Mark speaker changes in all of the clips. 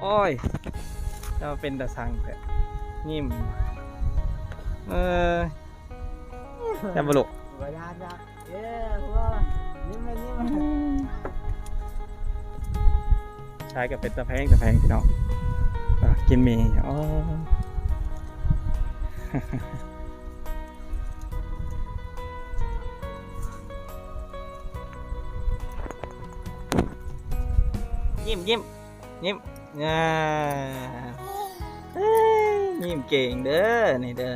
Speaker 1: โอ้ยจะเป็นตะสังแต่นิ่มจะบลุกใช้กับเป็นตะแพงพี่น้องกินหมี่อ๋อยิ้มยิ้มยิ้มยิ้มเก่งเด้อนี่เด้อ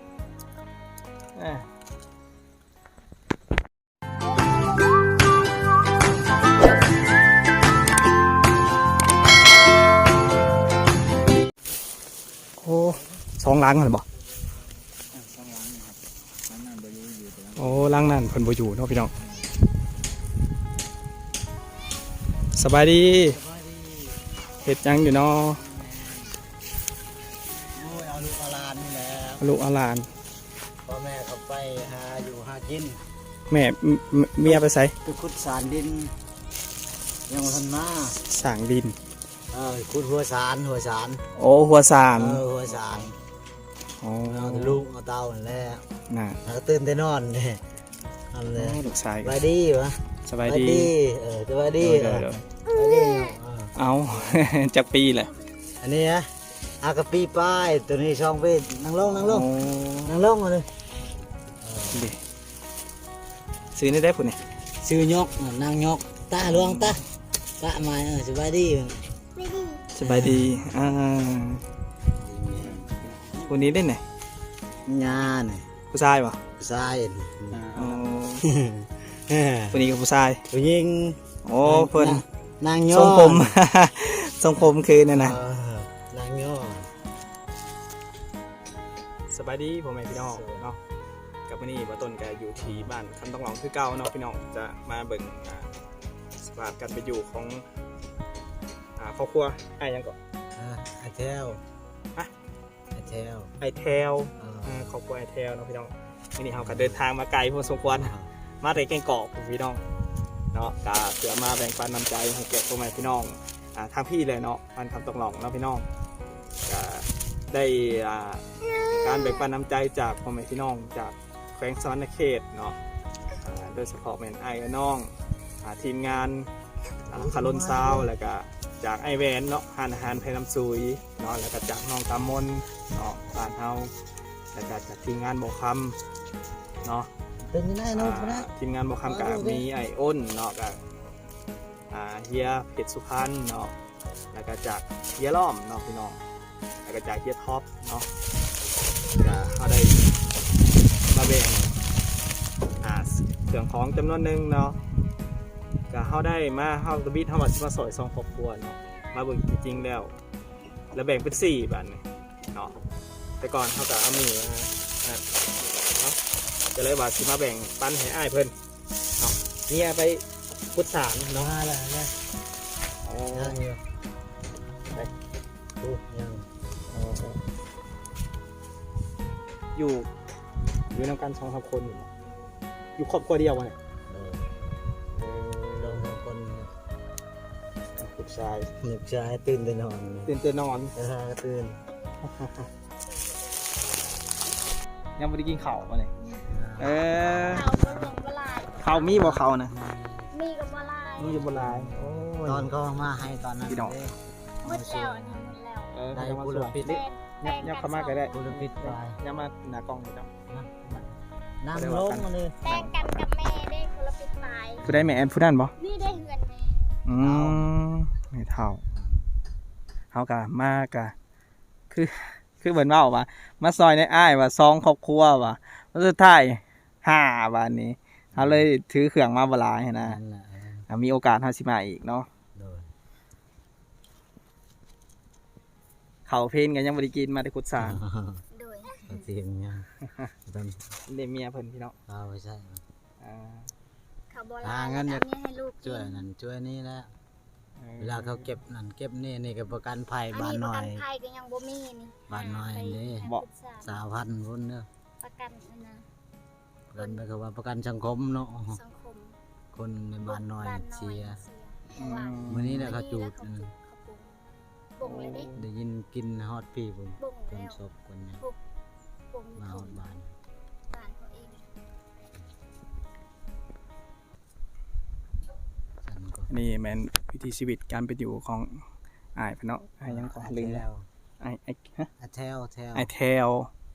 Speaker 1: โอ้2 ล้างเหรอบ่โอ้ล้างนั่นเพิ่นบ่อยู่เนาะพี่น้องสบายดีเฮ็ดยังอยู่เนาะ
Speaker 2: เอาลูกเอาหลานนี่แหละ
Speaker 1: ลูกเอาหลาน
Speaker 2: พ่อแม่เขาไปหาอยู่หากิน
Speaker 1: แม่เมียไปไส
Speaker 2: ไปขุดสารดินยังทันมา
Speaker 1: สร้างดิน
Speaker 2: ขุดหัวสาร
Speaker 1: โอ้หัวสาร
Speaker 2: หัวสาร
Speaker 1: อ๋อ
Speaker 2: เอาลูกเอาเต้านั่นแหละ
Speaker 1: น่ะ
Speaker 2: แล้วตื่นแต่นอนเนี่ยทำเลย
Speaker 1: ลูกชาย
Speaker 2: สบายดีวะ
Speaker 1: สบายดี
Speaker 2: สบายดี
Speaker 1: เดี๋ยว
Speaker 2: สบายดี
Speaker 1: เอา จากปีแหละ
Speaker 2: อันนี้นะอากะปีป้ายตัวนี้ช่องไปนั่งลงมาเลย
Speaker 1: ดิซื้อนี่ได้ผุนนี่
Speaker 2: ซื้อยกนางยกตาลวงตามาสบายดี
Speaker 1: สบายดีคนนี้ได้ไหน
Speaker 2: งาเนี่ย
Speaker 1: ผู้ชายป่ะ
Speaker 2: ทราย
Speaker 1: คนนี้กับผู้ชาย
Speaker 2: ผู้หญิง
Speaker 1: โอ้เพิ่น
Speaker 2: นางย
Speaker 1: ทรงผม ทรงผมคือเนี่ยนะ
Speaker 2: นางยอ
Speaker 1: สบายดีผมแม่พี่น้องเนาะกับวันนี้ว่าต้นแกอยู่ที่บ้านคำต้องหลองคือเก่าเนาะพี่น้องจะมาเบิ่งสภาพการไปอยู่ของครอบครัวไอ้ยังก่อน
Speaker 2: ไอเทลไอเทล
Speaker 1: ไอเทลครอบครัวไอเทลเนาะพี่น้องวันนี้เราก็เดินทางมาไกลพอสมควรมาแต่แก่งกอกพี่น้องเนาะก็เพื่อมาแบ่งปันน้ำใจให้แก่พ่อแม่พี่น้องทางพี่เลยเนาะบ้านคำต้องหลองเนาะพี่น้องก็ได้การแบ่งปันน้ำใจจากพ่อแม่พี่น้องจากแขวงสวรรณเขตเนาะโดยเฉพาะแม่นไอ้น้องทีมงานคาร์ลนซาวแล้วก็จากไอแวนเนาะหานอาหารไทยน้ำซุยเนาะแล้วก็จากน้องตามนเนาะบ้านเฮาแล้วก็จากทีมงานโบคำเนาะ
Speaker 2: เป็นยังไงน้องนะ
Speaker 1: ทีมงานโบคำกับมีไออ้นเนาะกับเฮียเพชรสุพรรณเนาะแล้วก็จากเฮียล้อมเนาะพี่น้องแล้วก็จากเฮียท็อปเนาะก็เขาได้มาแบ่งเครื่องของจำนวนหนึ่งเนาะก็เขาได้มาเขาตะบิดเขามาสอยซองครอบครัวเนาะมาเบิ่งจริงๆแล้วแบ่งเป็น4บันเนาะแต่ก่อนเขาก็เอามือเนาะจะเลยว่าสิมาแบ่งปันให้อ้ายเพิ่นเนาะเนี่ยไปพุทธสารเนาะ
Speaker 2: มาแล้วนะยังอยู่ไปดูยัง
Speaker 1: อยู่นำกัน2-3 คนอยู่ครอบครัวเดียววะเนี่ย
Speaker 2: ลองคน
Speaker 1: ลูกชาย
Speaker 2: หนึกชายตื่นแต่นอน
Speaker 1: ตื่นนอน
Speaker 2: ตื่น
Speaker 1: ยังไม่ได้กินข้าวมาเลย
Speaker 3: เขาบ่ลงบ่ลาย
Speaker 1: ข้าวมีบ่ข้าวนะ
Speaker 3: มีกับบ่ลาย
Speaker 1: มีอยู่บ่หลายโอ้ย
Speaker 2: ตอนเขามาให้ตอนนั้น
Speaker 1: พี่น้อง
Speaker 3: หมดแล้วอันนี้หมดแล้ว
Speaker 2: ได้
Speaker 1: ยังมา
Speaker 2: บุ
Speaker 1: ส
Speaker 2: ร
Speaker 1: วย
Speaker 2: พิษ
Speaker 3: แป้ง
Speaker 1: ยับเข้ามาก็ได้
Speaker 2: บุรพิษไป
Speaker 1: ยับมาหน้ากล้องเลยจ้ะ
Speaker 2: นั่งลงมาเลย
Speaker 3: แป้งกันกับแม่ได้คนละปิดตาย
Speaker 1: ผู้ได้แม่แอนผู้นั้นบ่
Speaker 3: นี่ได้เหือนแม่
Speaker 1: ไม่เท่าเขากะมากะคือเหมือนว่าว่ามาซอยในอ้ายว่า2 ครอบครัวว่าสุดท้าย5วันนี้เขาเลยถือเครื่องมาบ่หลายนะ
Speaker 2: นั่นแหละ
Speaker 1: มีโอกาสเฮาสิมาอีกเนาะ
Speaker 2: โดย
Speaker 1: ข้าวเพลนกันยังบ่ได้กินมาได้ขุดสาร
Speaker 3: โดย
Speaker 2: ทีมยังตอน
Speaker 1: ได้เมียเพิ่นพี่น้อง
Speaker 2: เอาไม่ใช่
Speaker 3: เขาบ่ลาย
Speaker 2: งั้น
Speaker 3: แล้วนี่ให้ลูก
Speaker 2: ช่วยนั่นช่วยนี่แล้วเวลาเขาเก็บนั่นเก็บนี่ก็ประกันภัย
Speaker 3: อัน
Speaker 2: บ้าน
Speaker 3: นี้
Speaker 2: ห
Speaker 3: ประ
Speaker 2: น่อ
Speaker 3: กั
Speaker 2: ย
Speaker 3: นภัยก็ยังบ่มีนี่
Speaker 2: บ้านน้อยนี่ 3,000คนเด้อ
Speaker 3: ประกันอันนะ
Speaker 2: ประกันก็ว่าประกันสังคมเนาะ
Speaker 3: สังคม
Speaker 2: คนในบ้านน้อยเสีย
Speaker 3: เพราะว่า
Speaker 2: มื้อนี้แหละเขาจูด
Speaker 3: เขาปลูกบ่งเลยดิ
Speaker 2: ได้ยินกินฮอดพี่ผม
Speaker 3: บ่ง
Speaker 2: จน
Speaker 3: แล้ว
Speaker 2: ศพคนเนี่ย
Speaker 3: บ่งอยู่
Speaker 2: มาฮ
Speaker 3: ทุ่
Speaker 2: อง ดบ้าน
Speaker 3: บ้านเขาเอง
Speaker 2: ฉันก็
Speaker 1: นี่แม่นวิถีชีวิตการเป็นอยู่ของอ้ายเพิ่นเนาะอ้ายยังก่อนลืมแล้วอ้ายฮะ
Speaker 2: แถว
Speaker 1: ไอแทล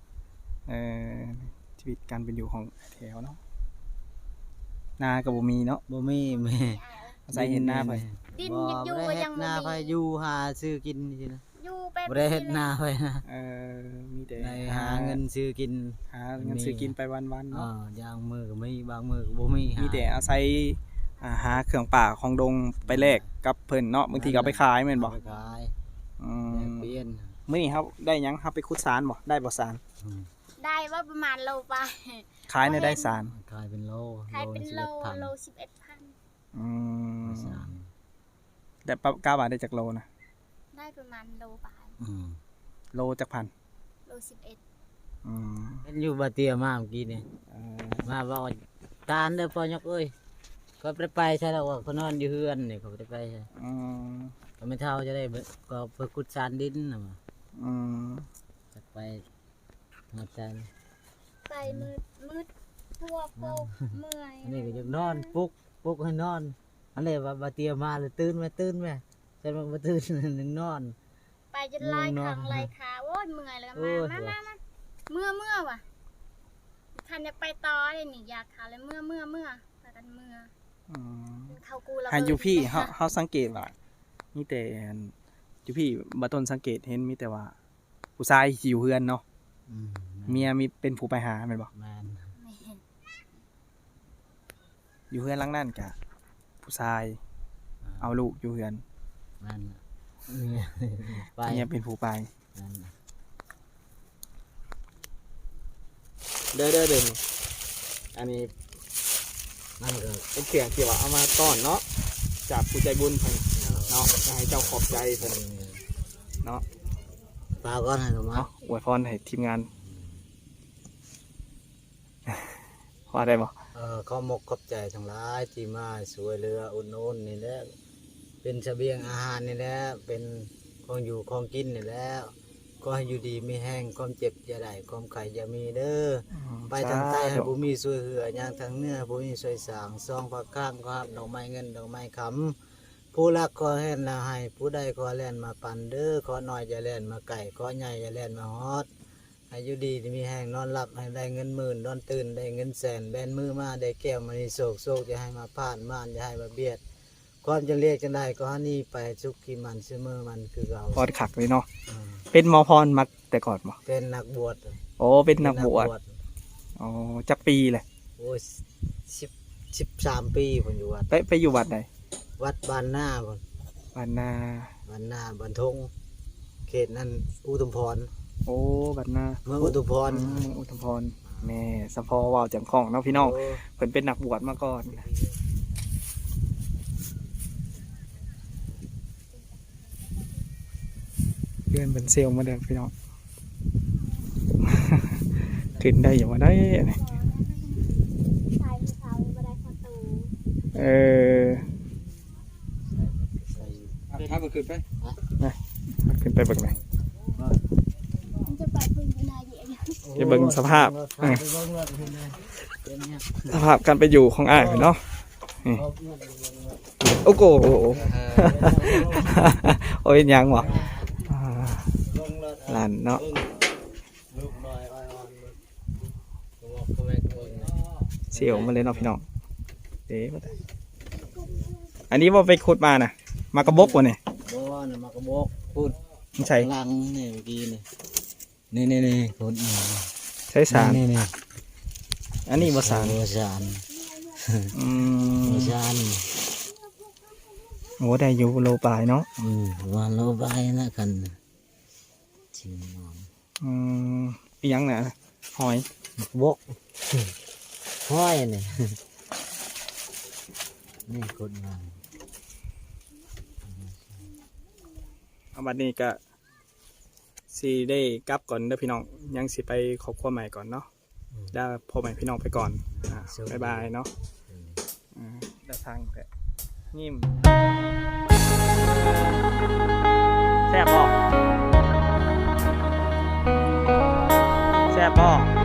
Speaker 1: ชีวิตการเป็นอยู่ของไอแทลเนาะนากับบ่มีเนาะ
Speaker 2: บ่มีแม่
Speaker 1: อาศัยเห็นหน้าไป
Speaker 3: ดิน
Speaker 2: บ่
Speaker 3: ยังอยู่
Speaker 2: ได้
Speaker 3: ก็
Speaker 2: เฮ็
Speaker 3: ยั
Speaker 2: ด
Speaker 3: ง
Speaker 2: หน้า
Speaker 3: บ่
Speaker 2: ไป
Speaker 3: มี
Speaker 2: อยู่หาซื้อกินซื่อนะ
Speaker 3: อยู่แบบ
Speaker 2: บ่ได้เฮ็ดหน้าไปนะ
Speaker 1: มีแต่
Speaker 2: ได้หาเงินซื้อกิน
Speaker 1: หาเงินซื้อกินไปวันๆ
Speaker 2: อ๋อ
Speaker 1: เนาะ
Speaker 2: อย่างมือก็มีบางมือก็บ่มีหา
Speaker 1: มีแต่อาศัยหาเครื่องป่าของดงไปแลกกับเพิ่นเนาะบางทีก็เอาไปขายแม่นบ่
Speaker 2: เอาไปขาย
Speaker 1: อื
Speaker 2: แลก
Speaker 1: ม
Speaker 2: เปลี่ยน
Speaker 1: มื้อนี้ครับได้หยังครับไปขุดสารบ่ได้บ่สาร
Speaker 2: อืม
Speaker 3: ได้ว่าประมาณโลไป
Speaker 1: ขายในได้สาร
Speaker 2: ขายเป็นโล
Speaker 3: ขายเป็นโล
Speaker 2: 11,000
Speaker 3: โล11,000
Speaker 1: อืม
Speaker 2: สาร
Speaker 1: แต่ปะกล้าบาทได้จากโลนะ
Speaker 3: ได้ประมาณโลไป
Speaker 2: อืม
Speaker 1: โลจากพัน
Speaker 3: โล11
Speaker 1: อืม
Speaker 2: เห็นอยู่บาเตียมาเมื่อกี้นี่
Speaker 1: เอ่อ
Speaker 2: มาบอกว่าตาลเด้อพ่อยกเอ้ยก็ไปใช่แล้วว่าเขานอนอยู่เฮือนนี่เขาไปใช่
Speaker 1: อืม
Speaker 2: ก็ไม่เท่าจะได้ก็ไปขุดสารดินน่ะมา
Speaker 1: อืม
Speaker 2: จะไปหาใจ
Speaker 3: ไปมืดทั่วโคกเมื่อย
Speaker 2: อันนี้ก็ยังนอนปลุกให้นอนอันนี้ว่าบาเตียมาเลยตื่นไหมฉันว่าบ่ตื่น นึงนอน
Speaker 3: ไปจนลาย
Speaker 2: ง่วงนอน
Speaker 3: ขังลายขาโอ้ยเมื่อยเลย
Speaker 2: โอ้
Speaker 3: มาย มาเมื่อว่ะคันอยากไปต่อเลยนี่อยากขาเลยเมื่อพากันเมื่อ
Speaker 1: อืม
Speaker 3: เขากูแล้ว
Speaker 1: ให้อยู่พี่เฮาสังเกตว่ามีแต่อยู่พี่บ่ต้นสังเกตเห็นมีแต่ว่า ผู้ชายที่อยู่เฮือนเนาะ
Speaker 2: อืม
Speaker 1: เมียมีเป็นผู้ไปหาแม่นบ่
Speaker 2: แม่น
Speaker 1: อยู่เฮือนหลังนั้นก็ผู้ชายเอาลูกอยู่เฮือน
Speaker 2: แม่นเนี่ยไป
Speaker 1: เมียเป็นผู้ไป
Speaker 2: แม่น
Speaker 1: เด้อนี่อันนี้
Speaker 2: นั่นก็
Speaker 1: เป็นเสียงที่ว่าเอามาต้อนเนาะจากผู้ใจบุญเพิ่นเนาะจะให้เจ้าขอบใจเพิ่นเนาะ
Speaker 2: ปลาก้อนให้หนูมา
Speaker 1: เนาะอวยพรให้ทีมงาน พอได้บ่
Speaker 2: ขอมกขอบใจทั้งหลายที่มาช่วยเหลืออุดหนุนนี่แหละเป็นเสบียงอาหารนี่แหละเป็นของอยู่ของกินนี่แหละก็ให้อยู่ดีมีแห้งความเจ็บอย่าได้ความไข้อย่ามีเด้อไปทางใต้ให้บ่มีช่วยเหลืออย่างทางเหนือบ่มีช่วยสร้างซองผักข้างก็รับดอกไม้เงินดอกไม้คำผู้รักขอแห่นละให้ผู้ใดขอแล่นมาปันเด้อขอน้อยอย่าแล่นมาไก่ขอใหญ่อย่าแล่นมาฮอด ให้อยู่ดีมีแห้งนอนหลับให้ได้เงินหมื่นนอนตื่นได้เงินแสนแบนมือมาได้แก้วมันโศกอย่าให้มาผ่านม่านอย่าให้มาเบียดความจะเรียกจังได้ก็หานี่ไปสุขที่มันเสมอมันคือเรา
Speaker 1: พอดขักเลยเนาะ
Speaker 2: อืม
Speaker 1: เป็นหมอพรมักแต่ก่อนบ่
Speaker 2: เป็นนักบวช
Speaker 1: โอ้เป็นนักบวชอ๋อจักปีเลย
Speaker 2: โอ้ย13 ปีผมอยู่วัด
Speaker 1: ไปอยู่วัดใด
Speaker 2: วัดบ้านหน้าผม
Speaker 1: บ้านนา
Speaker 2: บ้านหน้าบ้านทงเขตนั้นอุทุมพร
Speaker 1: โอ้บ้านนา
Speaker 2: เมืองอุทุมพร
Speaker 1: อุทุมพรแม่สะพอว่าวจังของเนาะพี่น้อง
Speaker 2: โ
Speaker 1: เพิ่นเป็นนักบวชมาก่อนเพื่อนเป็นเซลล์มาเด้อพี่น้อง ขึ้นได้อยู่ว่าได้อันนี้
Speaker 3: ชายผู้สาวบ่ได้ประตู
Speaker 1: เออ
Speaker 2: ใส่
Speaker 4: ถ้ามันขึ้นไป
Speaker 1: ขึ้นไปเบิ่งหน่อย
Speaker 3: มันจะไปพึ่งพนาเยอะ
Speaker 1: จะเบิ่งสภาพ
Speaker 2: ไปเบิ่งรถเห็นไหมเป็นเนี่ย
Speaker 1: สภาพการไปอยู่ของอ้ายเนาะ โอ้โหโอ้ยยังวะอ่าหลานเนาะ
Speaker 2: ลูกน้อยอ้อยอ่อนก็บอกก็แม่ก็บอก
Speaker 1: เสียวมาเลยเนาะพี่น้องเด้มาได้อันนี้ว่าไปขุดมานะมากระบอกวะเนี่ย
Speaker 2: บ่น่ะมากระบอกพูด
Speaker 1: ไม่ใช่
Speaker 2: หลังนี่เมื่อกี้นี่พูด
Speaker 1: ใช้สาร
Speaker 2: นี่
Speaker 1: อันนี้บ่สาร
Speaker 2: สาร
Speaker 1: อืม
Speaker 2: สาร
Speaker 1: โอ้ได้อยู่โลปลายเนาะ
Speaker 2: วันโลบายนะกันจริง
Speaker 1: อืมอีหยังน่ะหอย
Speaker 2: บกห้อยนี่นี่กดมา
Speaker 1: เอาบัดนี้ก็สิได้กลับก่อนเด้อพี่น้องยังสิไปครอบครัวใหม่ก่อนเนาะได้พ่อใหม่พี่น้องไปก่อนบ๊ายบายเนาะได้ทางแต่นิ่มแซ่บบ่แซ่บบ่